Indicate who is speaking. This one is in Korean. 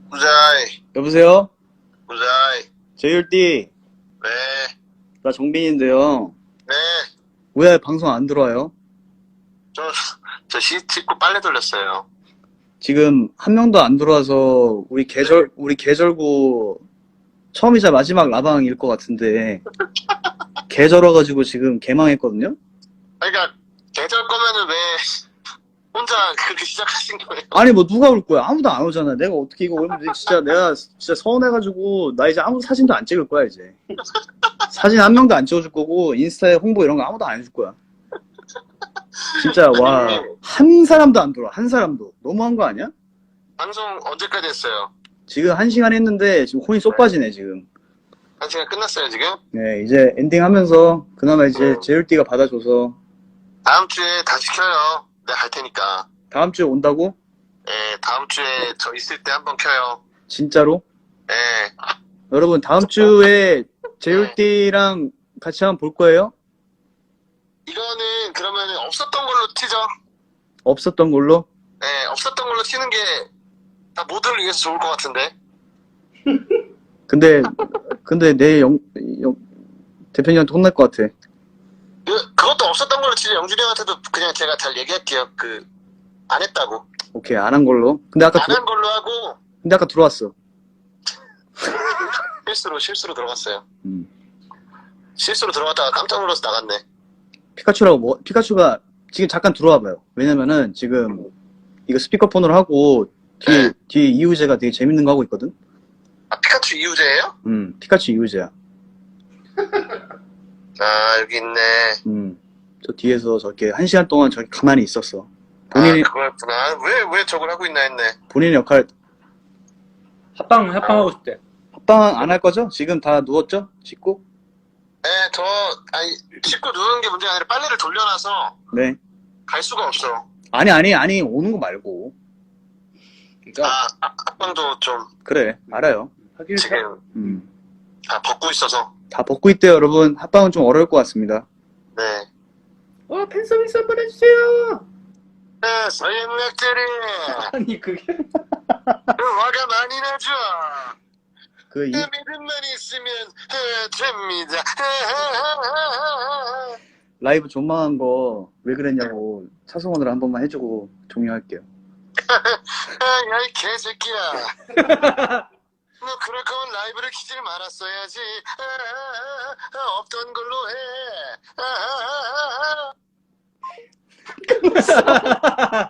Speaker 1: 우자이,
Speaker 2: 여보세요?
Speaker 1: 우자이,
Speaker 2: 제율띠,
Speaker 1: 네,
Speaker 2: 나 정빈인데요.
Speaker 1: 네,
Speaker 2: 왜 방송 안 들어와요?
Speaker 1: 저 씻고 빨래 돌렸어요.
Speaker 2: 지금 한 명도 안 들어와서 우리 계절고 처음이자 마지막 라방일 것 같은데 계절 와가지고 지금 개망했거든요?
Speaker 1: 그러니까, 계절 거면은 왜 혼자 그렇게 시작하신 거예요?
Speaker 2: 아니 뭐 누가 올 거야? 아무도 안 오잖아. 내가 어떻게 이거 오면 진짜 내가 진짜 서운해가지고 나 이제 아무 사진도 안 찍을 거야 이제. 사진 한 명도 안 찍어줄 거고 인스타에 홍보 이런 거 아무도 안 해줄 거야. 진짜 와 한 사람도 안 들어와. 한 사람도. 너무한 거 아니야?
Speaker 1: 방송 언제까지 했어요?
Speaker 2: 지금 1시간 했는데 지금 혼이 쏙 빠지네 지금.
Speaker 1: 한 시간 끝났어요, 지금?
Speaker 2: 네 이제 엔딩 하면서 그나마 이제 제율띠가 받아줘서
Speaker 1: 다음 주에 다시 켜요. 내가 갈 테니까.
Speaker 2: 다음 주에 온다고?
Speaker 1: 네, 다음 주에 저 있을 때 한번 켜요.
Speaker 2: 진짜로?
Speaker 1: 네,
Speaker 2: 여러분 다음 주에 제율띠랑 같이 한번 볼 거예요?
Speaker 1: 이거는 그러면 없었던 걸로 튀죠?
Speaker 2: 없었던 걸로?
Speaker 1: 네, 없었던 걸로 튀는 게 다 모두를 위해서 좋을 것 같은데.
Speaker 2: 근데 내 대표님한테 혼날 것 같아.
Speaker 1: 그것도 없었던 걸로 치죠. 영준이 형한테도 그냥 제가 잘 얘기할게요. 안 했다고.
Speaker 2: 오케이 안 한 걸로.
Speaker 1: 안 한 걸로 하고,
Speaker 2: 근데 아까 들어왔어.
Speaker 1: 실수로 들어갔어요.
Speaker 2: 음.
Speaker 1: 실수로 들어갔다가 깜짝 놀라서 나갔네.
Speaker 2: 피카츄가 지금 잠깐 들어와봐요. 왜냐면은 지금 이거 스피커폰으로 하고 뒤에 이우재가 되게 재밌는 거 하고 있거든.
Speaker 1: 아, 피카츄 이우재예요?
Speaker 2: 피카츄 이우재야.
Speaker 1: 아, 여기 있네.
Speaker 2: 저 뒤에서 저렇게 1시간 동안 저렇게 가만히 있었어.
Speaker 1: 아, 그거였구나. 왜 저걸 하고 있나 했네.
Speaker 2: 본인의 역할
Speaker 3: 합방하고 싶대.
Speaker 2: 합방 안 할 거죠? 지금 다 누웠죠? 씻고?
Speaker 1: 네, 씻고 누우는 게 문제가 아니라 빨래를 돌려놔서
Speaker 2: 네.
Speaker 1: 갈 수가 없어.
Speaker 2: 아니 오는 거 말고.
Speaker 3: 그러니까
Speaker 1: 합방도 좀
Speaker 2: 그래 알아요.
Speaker 3: 하길
Speaker 1: 지금 다 벗고 있어서.
Speaker 2: 다 벗고 있대요 여러분. 합방은 좀 어려울 것 같습니다.
Speaker 1: 네.
Speaker 3: 팬 서비스 한번 해주세요.
Speaker 1: 네, 서영락들이
Speaker 3: 아니 그게
Speaker 1: 화가 많이 나죠.
Speaker 2: 그
Speaker 1: 믿음만 있으면 됩니다.
Speaker 2: 라이브 존망한 거 왜 그랬냐고 차승원으로 한 번만 해주고 종료할게요.
Speaker 1: 야, 이 개새끼야. 너 그럴 거면 라이브를 키질 말았어야지. 없던 걸로 해.